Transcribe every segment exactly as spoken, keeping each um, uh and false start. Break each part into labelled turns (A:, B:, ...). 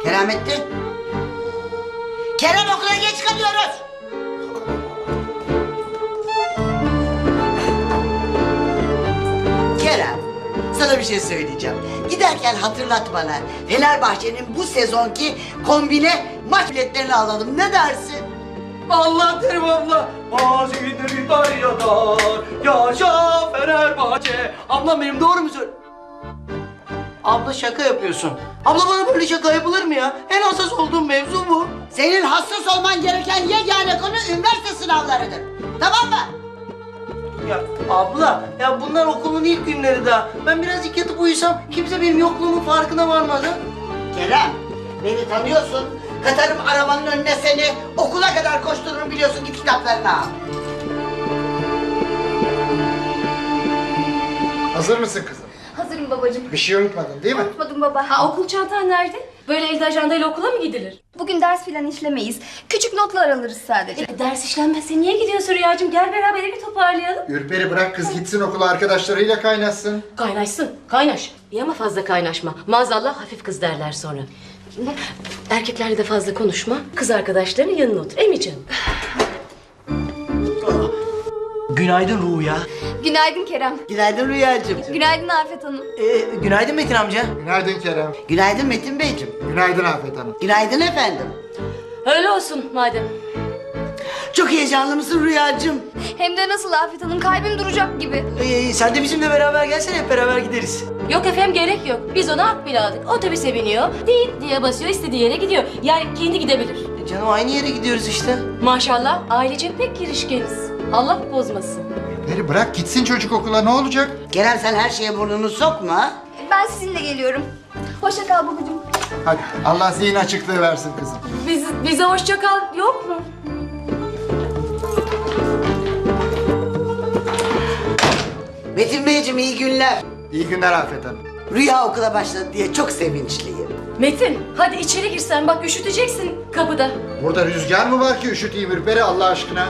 A: Keramettin. Kerem okula geç kalıyoruz. Kerem, sana bir şey söyleyeceğim. Giderken hatırlat bana. Fenerbahçe'nin bu sezonki kombine maç biletlerini alalım. Ne dersin?
B: Allah derim abla. Mazidir dar yadar. Yaşa Fenerbahçe. Ablam benim doğru mu söylüyor? Abla şaka yapıyorsun. Abla bana böyle şaka yapılır mı ya? En hassas olduğum mevzu bu.
A: Senin hassas olman gereken yegane konu üniversite sınavlarıdır. Tamam mı?
B: Ya abla, ya bunlar okulun ilk günleri daha. Ben birazcık yatıp uyusam kimse benim yokluğumun farkına varmaz ha.
A: Kerem, beni tanıyorsun. Katarım arabanın önüne seni. Okula kadar koştururum biliyorsun. Git kitaplarını al.
C: Hazır mısın kızım?
D: Hazırım babacığım.
C: Bir şey unutmadın değil mi?
D: Unutmadım baba.
E: Ha, okul çantan nerede? Böyle elde ajandayla okula mı gidilir?
D: Bugün ders filan işlemeyiz. Küçük notlar alırız sadece.
E: E, ders işlenmezse niye gidiyorsun Rüyacığım? Gel beraber evi toparlayalım.
C: Ürperi bırak kız gitsin okula arkadaşlarıyla kaynaşsın.
E: Kaynaşsın, kaynaş. İyi ama fazla kaynaşma. Maazallah hafif kız derler sonra. Erkeklerle de fazla konuşma. Kız arkadaşlarının yanına otur. Emi canım.
B: Günaydın Ruya.
D: Günaydın Kerem.
A: Günaydın Rüyacığım.
D: Günaydın Afet Hanım.
B: Ee, günaydın Metin amca.
C: Günaydın Kerem.
A: Günaydın Metin Beyciğim.
C: Günaydın Afet Hanım.
A: Günaydın efendim.
E: Öyle olsun madem.
A: Çok heyecanlı mısın Rüyacığım?
D: Hem de nasıl Afet Hanım, kalbim duracak gibi.
B: Ee, sen de bizimle beraber gelsene, hep beraber gideriz.
E: Yok efendim gerek yok. Biz ona hak bile aldık. Otobüse biniyor. Değil diye basıyor. İstediği yere gidiyor. Yani kendi gidebilir.
B: E, canım aynı yere gidiyoruz işte.
E: Maşallah ailece pek girişkeniz. Allah bozmasın.
C: Ürperi bırak gitsin çocuk okula ne olacak?
A: Kerem sen her şeye burnunu sokma.
D: Ben sizinle geliyorum. Hoşça kal babacığım.
C: Hadi Allah zihin açıklığı versin kızım.
E: Biz, bize hoşça kal yok mu?
A: Metin Beyciğim iyi günler.
C: İyi günler Afet Hanım.
A: Rüya okula başladı diye çok sevinçliyim.
E: Metin hadi içeri girsen bak üşüteceksin kapıda.
C: Burada rüzgar mı var ki üşüteyim Ürperi Allah aşkına?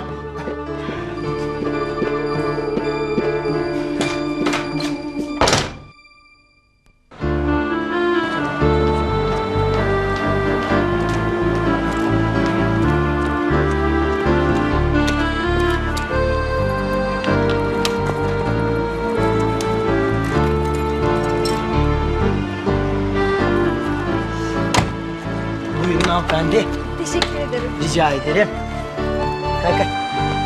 B: Buyurun hanımefendi.
D: Teşekkür ederim.
B: Rica ederim. Kalk kalk.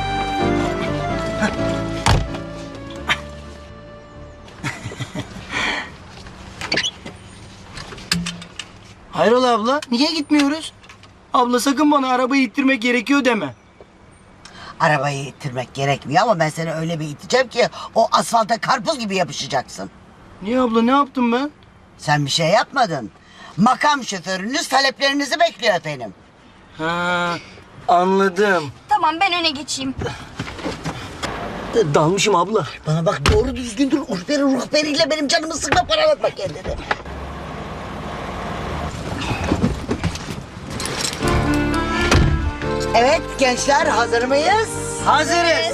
B: Hayrola abla, niye gitmiyoruz? Abla sakın bana arabayı ittirmek gerekiyor deme.
A: Arabayı ittirmek gerekmiyor ama ben seni öyle bir iteceğim ki o asfalta karpuz gibi yapışacaksın.
B: Niye abla, ne yaptım ben?
A: Sen bir şey yapmadın. Makam şoförünüz taleplerinizi bekliyor efendim.
B: Ha, anladım.
D: Tamam, ben öne geçeyim.
B: Dalmışım abla.
A: Bana bak doğru düzgün dur. Urperi ruhberiyle benim canımı sıkma, paralatma kendini. Evet gençler, hazır mıyız?
B: Hazırız.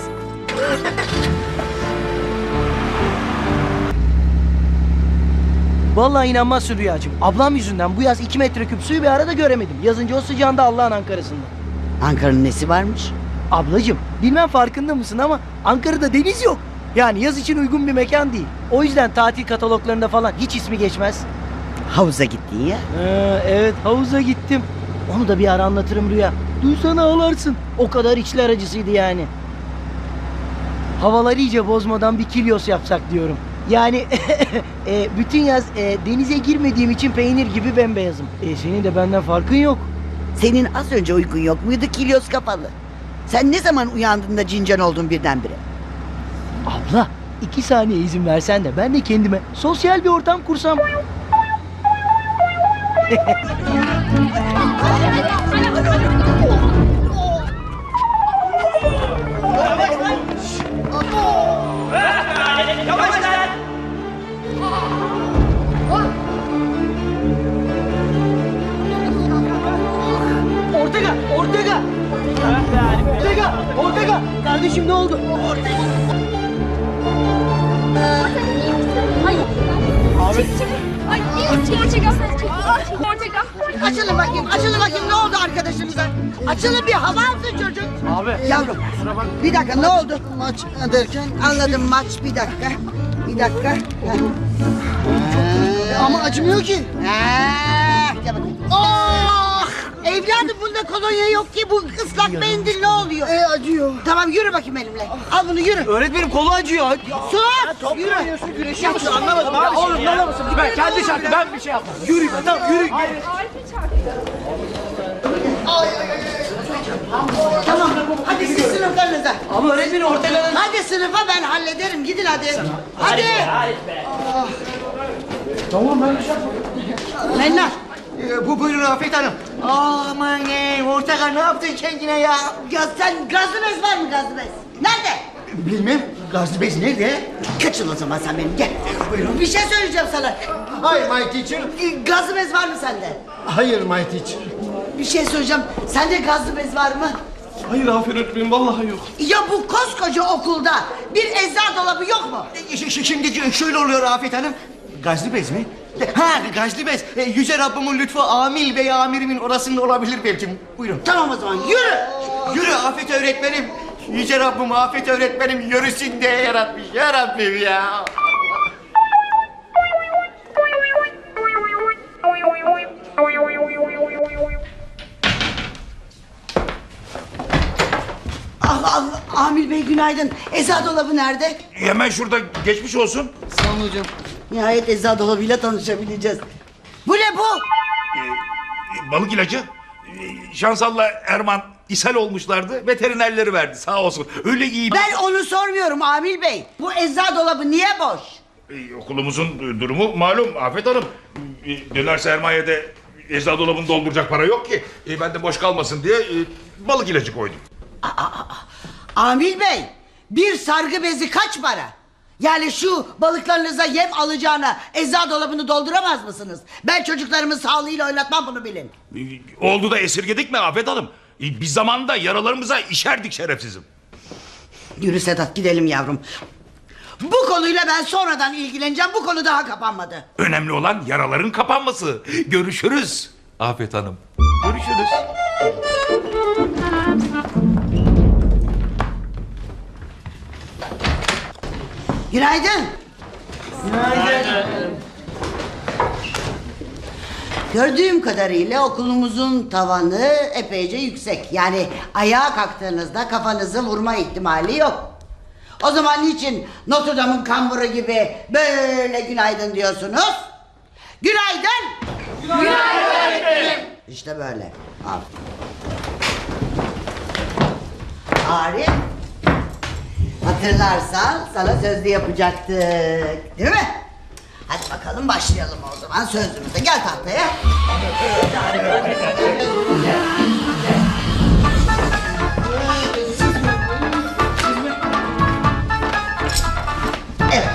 B: Vallahi inanmazsın Rüyacığım. Ablam yüzünden bu yaz iki metreküp suyu bir arada göremedim. Yazınca o sıcağında Allah'ın Ankara'sında.
A: Ankara'nın nesi varmış?
B: Ablacığım bilmem farkında mısın ama Ankara'da deniz yok. Yani yaz için uygun bir mekan değil. O yüzden tatil kataloglarında falan hiç ismi geçmez.
A: Havuza gittin ya.
B: Ee, evet havuza gittim. Onu da bir ara anlatırım Rüya. Duysana ağlarsın. O kadar içler acısıydı yani. Havaları iyice bozmadan bir kilyos yapsak diyorum. Yani e, bütün yaz e, denize girmediğim için peynir gibi bembeyazım. E, senin de benden farkın yok.
A: Senin az önce uykun yok muydu kilyos kapalı? Sen ne zaman uyandığında cincan oldun birdenbire?
B: Abla iki saniye izin versen de ben de kendime sosyal bir ortam kursam. Ortega! Ortega! Ortega! Ortega! Kardeşim ne oldu? Ortega!
D: Ay.
B: Abi.
D: Ay, çek, çek, çek, çek, çek, çek, çek, çek, çek, çek, çek,
A: Açılın Açılın bir hava alsın çocuk.
B: Abi.
A: Yavrum bir dakika ne oldu? Maç derken anladım maç bir dakika. Bir dakika. Heh.
B: Ama acımıyor ki.
A: Ah, gel bakayım. Ah! Evladım bunda kolonya yok ki bu ıslak mendil ne oluyor?
B: E acıyor.
A: Tamam yürü bakayım benimle. Al bunu yürü.
B: Öğretmenim kolu acıyor.
A: Sus! Yürü.
B: Güreşiyor musun? Anlamadım abi. Oğlum ne mısın? Ben kendi şarkı ben bir şey yapmadım. Yürü tamam yürü.
A: Tamam hadi siz sınıflarınıza.
B: Ama öğretmenim ortalarına...
A: Hadi sınıfa ben hallederim gidin hadi. Hadi.
B: Tamam ben bir şey yapmadım.
A: Mennar.
B: Ee, bu buyurun Afet Hanım. Aman ey Ortega ne yaptın kendine ya?
A: Ya sen gazlı bez var mı gazlı bez? Nerede?
B: Bilmem gazlı bez nerede?
A: Kaçın o zaman sen benim gel. Buyurun. Bir şey söyleyeceğim sana.
C: Hi my teacher.
A: Gazlı bez var mı sende?
C: Hayır my teacher.
A: Bir şey söyleyeceğim. Sende gazlı bez var mı?
F: Hayır Afet öğretmenim vallahi yok.
A: Ya bu koskoca okulda bir eczacı dolabı yok mu?
B: Ş- ş- Şimdi şöyle oluyor Afet Hanım. Gazlı bez mi? Ha gazlı bez. E, Yüce Rabbimin lütfu amil bey amirimin orasında olabilir belki. Buyurun.
A: Tamam o zaman yürü.
B: Yürü Afet öğretmenim. Yüce Rabbim Afet öğretmenim yürüsün diye yaratmış ya Rabbim ya.
A: Ah, ah, Amil Bey günaydın. Eczacı dolabı nerede?
F: Hemen şurada geçmiş olsun.
B: Sağ olun hocam.
A: Nihayet eczacı dolabıyla tanışabileceğiz. Bu ne bu?
F: Ee, balık ilacı. Ee, Şansal'la Erman ishal olmuşlardı. Veterinerleri verdi sağ olsun. Öyle iyi.
A: Ben onu sormuyorum Amil Bey. Bu eczacı dolabı niye boş?
F: Ee, okulumuzun e, durumu malum Afet Hanım. Ee, döner sermayede eczacı dolabını dolduracak para yok ki. Ee, ben de boş kalmasın diye e, balık ilacı koydum.
A: Amil Bey, bir sargı bezi kaç para? Yani şu balıklarınıza yem alacağına eczacı dolabını dolduramaz mısınız? Ben çocuklarımın sağlığıyla oynatmam bunu bilin.
F: Ee, oldu da esirgedik mi Afet Hanım? Ee, biz zamanında yaralarımıza işerdik şerefsizim.
A: Yürü Sedat gidelim yavrum. Bu konuyla ben sonradan ilgileneceğim. Bu konu daha kapanmadı.
F: Önemli olan yaraların kapanması. Görüşürüz Afet Hanım. Görüşürüz.
A: Günaydın. Gördüğüm kadarıyla okulumuzun tavanı epeyce yüksek. Yani ayağa kalktığınızda kafanızı vurma ihtimali yok. O zaman niçin Notre Dame'ın kamburu gibi böyle günaydın diyorsunuz? Günaydın. Günaydın öğretmenim. İşte böyle. Arif. Hatırlarsan sana sözlü yapacaktık. Değil mi? Hadi bakalım başlayalım o zaman sözlümüze. Gel tahtaya. Evet.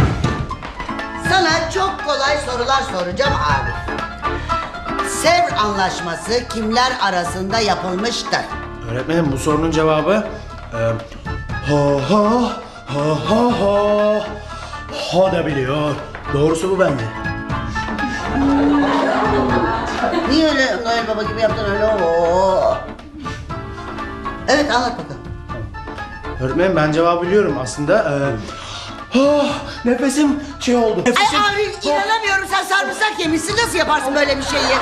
A: Sana çok kolay sorular soracağım abi. Sevr Anlaşması kimler arasında yapılmıştır?
G: Öğretmenim bu sorunun cevabı e, ha ha ha ha ha ha da biliyor. Doğrusu bu bende.
A: Niye öyle Noel Baba gibi yaptın öyle? Oo. Evet anlat bakalım.
G: Öğretmenim ben cevabı biliyorum aslında. E, ha nefesim şey oldu.
A: Ay
G: Nefesim,
A: abi inanamıyorum sen sarımsak yemişsin nasıl yaparsın böyle bir şeyi?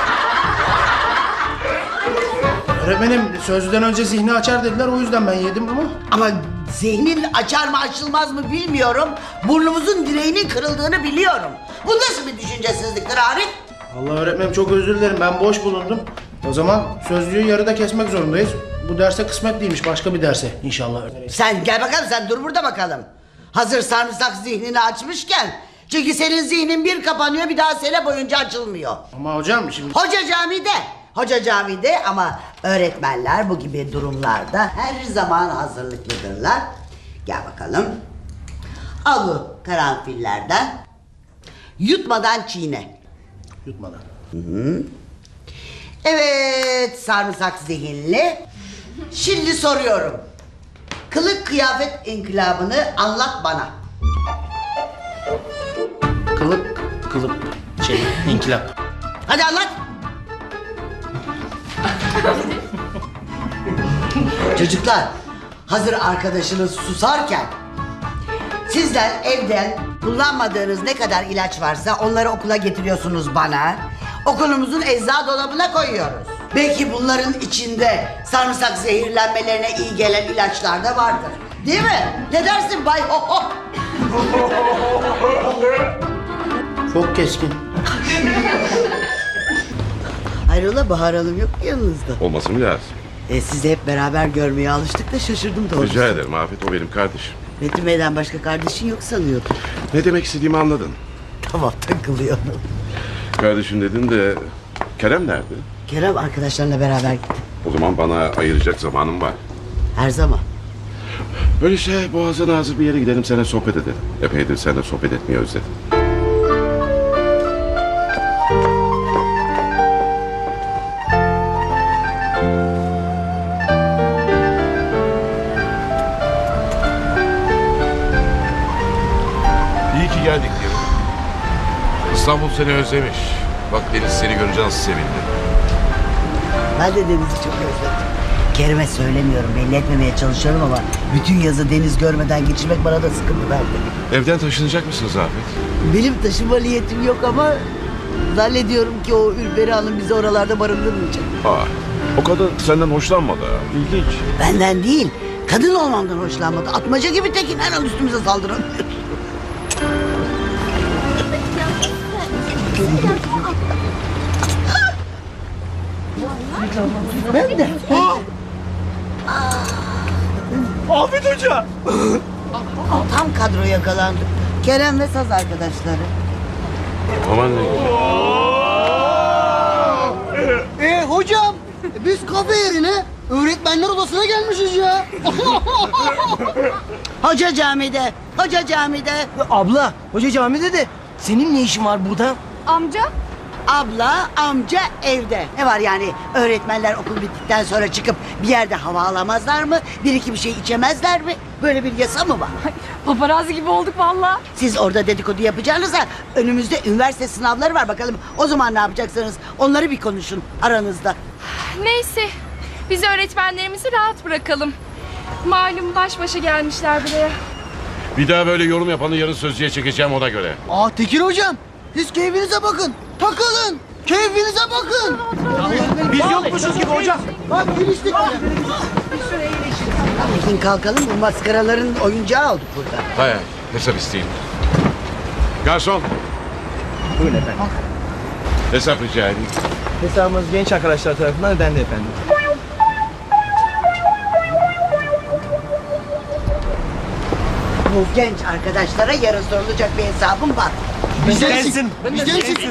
G: Öğretmenim sözlüden önce zihni açar dediler o yüzden ben yedim ama.
A: Ama zihnin açar mı açılmaz mı bilmiyorum. Burnumuzun direğinin kırıldığını biliyorum. Bu nasıl bir düşüncesizliktir Arif?
G: Allah öğretmenim çok özür dilerim ben boş bulundum. O zaman sözlüğü yarıda kesmek zorundayız. Bu derse kısmet değilmiş başka bir derse inşallah.
A: Sen gel bakalım sen dur burada bakalım. Hazır sarımsak zihnini açmışken. Çünkü senin zihnin bir kapanıyor bir daha sene boyunca açılmıyor.
G: Ama hocam şimdi...
A: Hoca camide. Hoca camide ama öğretmenler bu gibi durumlarda her zaman hazırlıklıdırlar. Gel bakalım. Al bu karanfillerden. Yutmadan çiğne.
G: Yutmadan.
A: Evet sarımsak zihinli. Şimdi soruyorum. Kılık kıyafet inkılabını anlat bana.
G: Kılıp, kılıp, şey, inkılap.
A: Hadi anlat. Çocuklar, hazır arkadaşınız susarken sizler evden kullanmadığınız ne kadar ilaç varsa onları okula getiriyorsunuz bana. Okulumuzun eczacı dolabına koyuyoruz. Belki bunların içinde sarımsak zehirlenmelerine iyi gelen ilaçlar da vardır. Değil mi? Ne dersin Bay Ho Ho?
B: Çok keskin.
A: Hayrola Bahar Hanım yok mu yanınızda?
H: Olması mı lazım?
A: E, sizi hep beraber görmeye alıştık da şaşırdım doğrusu.
H: Rica ederim Afet, o benim kardeşim.
A: Metin Bey'den başka kardeşin yok sanıyordum.
H: Ne demek istediğimi anladın.
A: Tamam takılıyorum.
H: Kardeşim dedin de Kerem nerede?
A: Kerem arkadaşlarla beraber gitti.
H: O zaman bana ayıracak zamanım var.
A: Her zaman.
H: Öyleyse boğazına hazır bir yere gidelim, seninle sohbet edelim. Epeydir seninle sohbet etmeyi özledim.
I: İyi ki geldik diyorum. İstanbul seni özlemiş. Bak Deniz seni görünce nasıl sevindi.
A: Ben de Deniz'i çok özledim. Kerem'e söylemiyorum, belli etmemeye çalışıyorum ama bütün yazı deniz görmeden geçirmek bana da sıkıntı verdi.
I: Evden taşınacak mısınız Afet?
A: Benim taşıma niyetim yok ama zannediyorum ki o Ülberi Hanım bizi oralarda barındırmayacak.
H: Aa, o kadın senden hoşlanmadı ha. İlginç.
A: Benden değil, kadın olmamdan hoşlanmadı. Atmaca gibi tekin her an üstümüze saldırabilir. Ben de.
B: Afet Hoca.
A: Tam kadro yakalandı. Kerem ve saz arkadaşları.
H: Aman ne güzel.
B: Ee hocam, biz kafe yerine öğretmenler odasına gelmişiz ya.
A: Hoca camide, hoca camide.
B: Abla, hoca camide de senin ne işin var burada?
D: Amca?
A: Abla, amca evde. Ne var yani öğretmenler okul bittikten sonra çıkıp bir yerde hava alamazlar mı? Bir iki bir şey içemezler mi? Böyle bir yasa mı var?
D: Paparazzi gibi olduk valla.
A: Siz orada dedikodu yapacağınıza önümüzde üniversite sınavları var bakalım. O zaman ne yapacaksınız? Onları bir konuşun aranızda.
J: Neyse, biz öğretmenlerimizi rahat bırakalım. Malum baş başa gelmişler buraya.
I: Bir daha böyle yorum yapanı yarın sözlüğe çekeceğim ona göre.
B: Aa Tekir hocam, siz keyfinize bakın. Takılın. Keyfinize bakın. Biz yokmuşuz gibi hocam. Bak geliştik.
A: Tekin kalkalım bu maskaraların oyuncağı olduk burada.
I: Hay hay, hesap isteyeyim. Garson,
C: Buyurun efendim.
I: hesap rica edeyim.
C: Hesabımız genç arkadaşlar tarafından ödendi efendim.
A: Bu genç arkadaşlara yarın sorulacak bir hesabım var.
B: Bizden eksik. Bizden eksik.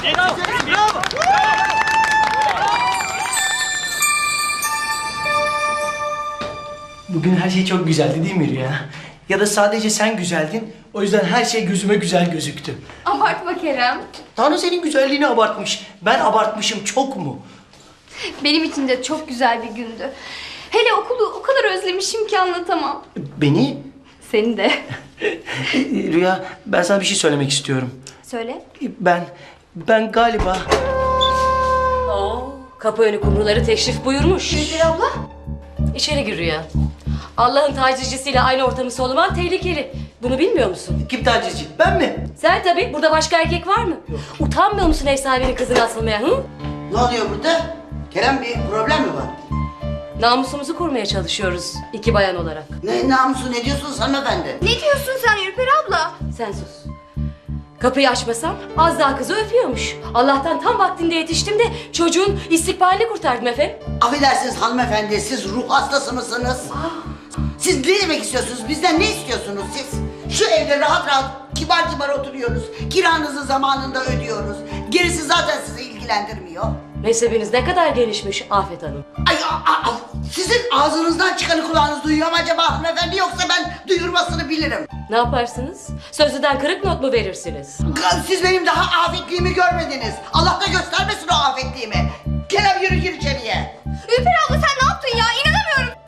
K: Bugün her şey çok güzeldi değil mi Rüya? Ya da sadece sen güzeldin, o yüzden her şey gözüme güzel gözüktü.
J: Abartma Kerem.
K: Tanrı senin güzelliğini abartmış. Ben abartmışım çok mu?
J: Benim için de çok güzel bir gündü. Hele okulu o kadar özlemişim ki anlatamam.
K: Beni?
J: Seni de.
K: Rüya, ben sana bir şey söylemek istiyorum.
J: Söyle.
K: Ben, ben galiba...
E: Oo, kapı önü kumruları teşrif buyurmuş.
J: Gülbin abla.
E: İçeri gir Rüya. Allah'ın tacizcisiyle aynı ortamı soluman tehlikeli. Bunu bilmiyor musun?
K: Kim tacizci? Ben mi?
E: Sen tabii. Burada başka erkek var mı? Utanmıyor musun ev sahibinin kızını asılmaya? Hı?
A: Ne oluyor burada? Kerem bir problem mi var?
E: Namusumuzu korumaya çalışıyoruz iki bayan olarak.
A: Ne namusu ne diyorsunuz hanımefendi?
J: Ne diyorsun sen Ürperi abla?
E: Sen sus. Kapıyı açmasam az daha kızı öpüyormuş. Allah'tan tam vaktinde yetiştim de çocuğun istikbalini kurtardım efendim.
A: Affedersiniz hanımefendi siz ruh hastası mısınız? Siz ne demek istiyorsunuz? Bizden ne istiyorsunuz siz? Şu evde rahat rahat kibar kibar oturuyoruz. Kiranızı zamanında ödüyoruz. Gerisi zaten sizi ilgilendirmiyor.
E: Mezhebiniz ne kadar gelişmiş Afet Hanım.
A: Ay, a, a, sizin ağzınızdan çıkanı kulağınız duyuyor mu acaba hanımefendi yoksa ben duyurmasını bilirim.
E: Ne yaparsınız? Sözlüden kırık not mu verirsiniz?
A: Siz benim daha afetliğimi görmediniz. Allah da göstermesin o afetliğimi. Kerem yürü gir içeriye.
J: Ürperi abla sen ne yaptın ya? İnanamıyorum.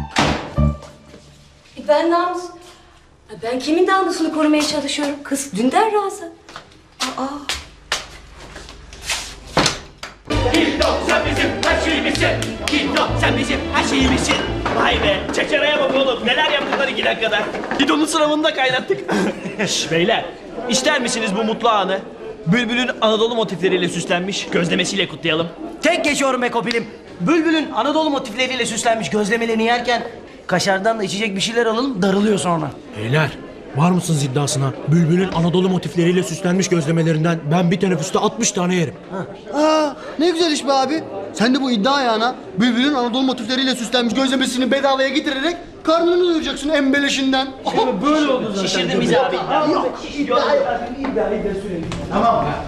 E: E ben namus... Ben kimin namusunu korumaya çalışıyorum? Kız dünden razı. Aa.
L: Bir doksa bizim her şeyimiz
K: bizim. Gidon sen bizim her şeyimizsin. Vay be. Çeçereye bak oğlum. Neler yaptılar iki dakikada. Gidon'un sınavında kaynattık. Şş beyler. İster misiniz bu mutlu anı? Bülbül'ün Anadolu motifleriyle süslenmiş gözlemesiyle kutlayalım. Tek geçiyorum be Kopilim. Bülbül'ün Anadolu motifleriyle süslenmiş gözlemelerini yerken kaşardan da içecek bir şeyler alalım, darılıyor sonra.
G: Beyler, var mısınız iddiasına? Bülbül'ün Anadolu motifleriyle süslenmiş gözlemelerinden ben bir teneffüste altmış tane yerim.
L: Aa, ne güzel iş be abi. Sen de bu iddia ayağına Bülbül'ün Anadolu motifleriyle süslenmiş gözlemesini bedavaya getirerek karnını doyuracaksın embeleşinden.
K: Şimdi böyle oldu zaten. Şişirdin bizi abi.
L: Yok, iddia yapayım, iddia iddia söyleyeyim. Tamam ya.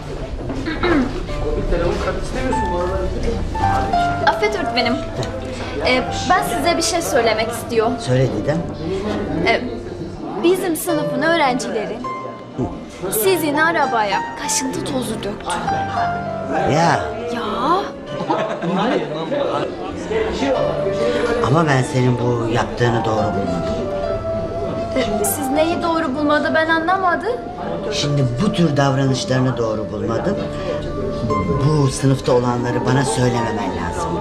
D: Affet öğretmenim. Ee, ben size bir şey söylemek istiyorum.
A: Söyle Didem.
D: Ee, bizim sınıfın öğrencileri sizin arabaya kaşıntı tozu döktü.
A: Ya
D: Ya
A: ama ben senin bu yaptığını doğru bulmadım.
D: e, siz neyi doğru bulmadı ben anlamadım.
A: Şimdi bu tür davranışlarını doğru bulmadım. Bu sınıfta olanları bana söylememen lazımdı.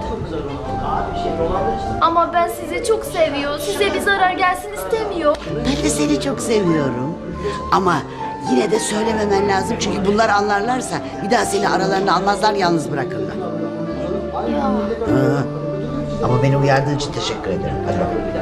D: Ama ben sizi çok seviyor. Size bir zarar gelsin istemiyor.
A: Ben de seni çok seviyorum. Ama yine de söylememen lazım çünkü bunlar anlarlarsa bir daha seni aralarında almazlar, yalnız bırakırlar.
D: Ya.
A: Hı. Ama beni uyardığın için teşekkür ederim. Hadi bakalım.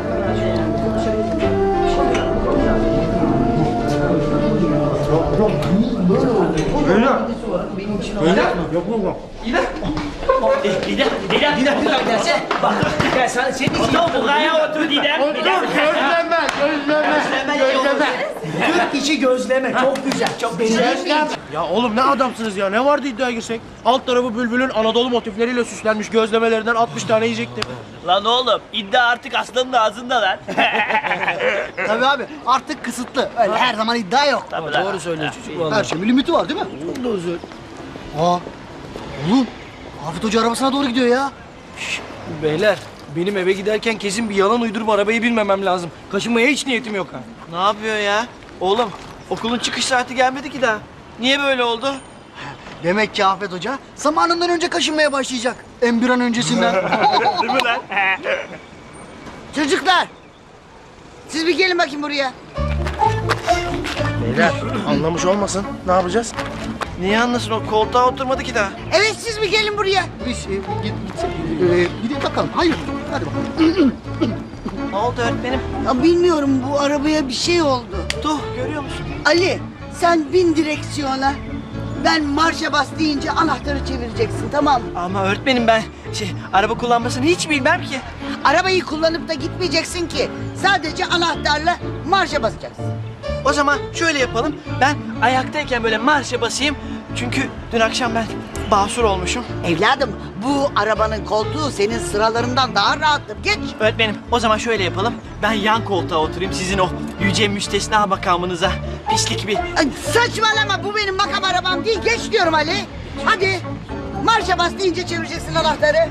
K: Didem, Didem, Didem, Didem gelsene. Bak, gel sana senin için. Otur buraya otur Didem. Didem.
L: Gözleme, gözleme, gözleme.
K: Türk işi gözleme. Çok güzel, çok beğendim.
G: Ya oğlum ne adamsınız ya, ne vardı iddiaya girsek? Alt tarafı Bülbül'ün Anadolu motifleriyle süslenmiş gözlemelerinden altmış tane yiyecektim.
K: Lan oğlum, iddia artık aslanın ağzında lan.
L: Tabii abi artık kısıtlı. Öyle her zaman iddia yok.
K: Tabii
L: Doğru söylüyor çocuk. Her şeyin bir limiti var değil mi? Çok doğru söylüyor. Aa, oğlum Afet Hoca arabasına doğru gidiyor ya.
K: Beyler, benim eve giderken kesin bir yalan uydurup arabayı binmemem lazım. Kaşınmaya hiç niyetim yok ha. Ne yapıyor ya? Oğlum, okulun çıkış saati gelmedi ki daha. Niye böyle oldu?
L: Demek ki Afet Hoca zamanından önce kaşınmaya başlayacak. En bir an öncesinden.
K: Değil mi lan?
A: Çocuklar, siz bir gelin bakayım buraya.
G: Beyler anlamış olmasın, ne yapacağız?
K: Niye anlasın o koltuğa oturmadı ki daha?
A: Evet, siz bir gelin buraya.
L: Biz e, git, git, e, gidelim bakalım. Hayır, hadi bakalım.
K: Ne oldu öğretmenim?
A: Ya bilmiyorum, bu arabaya bir şey oldu.
K: Tuh, görüyor musun?
A: Ali, sen bin direksiyona. Ben marşa bas deyince anahtarı çevireceksin, tamam mı?
K: Ama öğretmenim ben şey araba kullanmasını hiç bilmem ki.
A: Arabayı kullanıp da gitmeyeceksin ki. Sadece anahtarla marşa basacaksın.
K: O zaman şöyle yapalım. Ben ayaktayken böyle marşa basayım. Çünkü dün akşam ben basur olmuşum.
A: Evladım, bu arabanın koltuğu senin sıralarından daha rahattır. Geç.
K: Öğretmenim o zaman şöyle yapalım. Ben yan koltuğa oturayım sizin o yüce müstesna makamınıza. Pislik bir...
A: Ay, saçmalama, bu benim makam arabam değil. Geç diyorum Ali. Hadi. Marşa bas deyince çevireceksin anahtarı.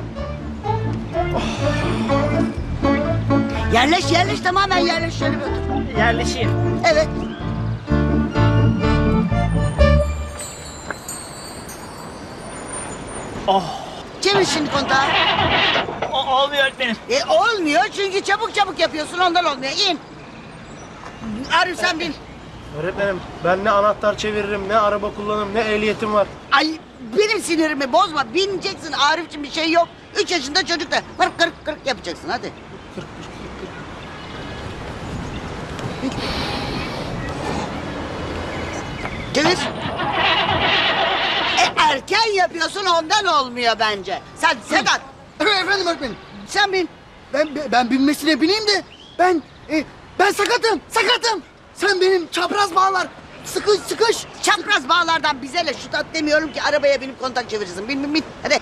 A: Yerleş yerleş, tamamen yerleş, şöyle bir otur.
K: Yerleşeyim.
A: Evet.
K: Oh.
A: Çevir şimdi kontağı.
K: O, olmuyor öğretmenim.
A: E, olmuyor çünkü çabuk çabuk yapıyorsun, ondan olmuyor. İn. Arif sen bin.
G: Öğretmenim ben ne anahtar çeviririm, ne araba kullanırım, ne ehliyetim var.
A: Ay, benim sinirimi bozma. Bineceksin Arif'cim, bir şey yok. Üç yaşında çocuk da kırk kırk kırk yapacaksın, hadi. Çevir. E, erken yapıyorsun, ondan olmuyor bence. Sen Sedat.
L: Efendim öğretmenim.
A: Sen bin.
L: Ben ben binmesine bineyim de ben e, ben sakatım, sakatım. Sen benim çapraz bağlar sıkış sıkış.
A: Çapraz bağlardan bize ne? Şu tat demiyorum ki, arabaya binip kontak çevirirsin. Bin bin bin. Hadi.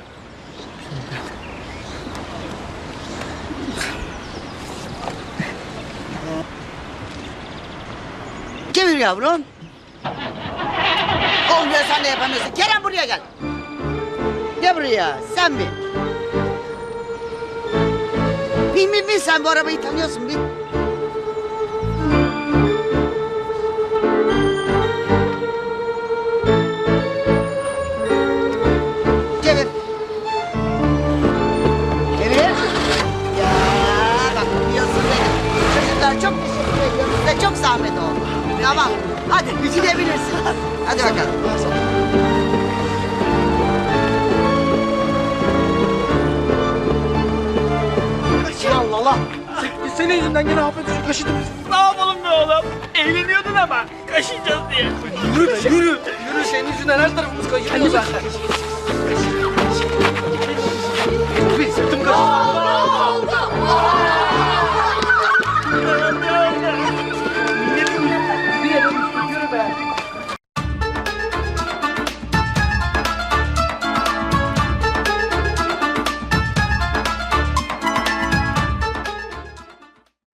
A: Çevir yavrum. Olmuyor, sen de yapamıyorsun. Kerem buraya gel. Gel buraya, sen bin. Bin bin bin, sen bu arabayı tanıyorsun, bin. Çevir. zahmet oldu. Tamam. Hadi gidebilirsin. Hadi bakalım.
B: Allah Allah. Senin yüzünden gene hafif düşük kaşıdım.
K: Ne yapalım be oğlum? Eğleniyordun ama kaşıyacağız diye.
B: Yürü be yürü. Yürü senin yüzünden her tarafımız kaşınıyor zaten.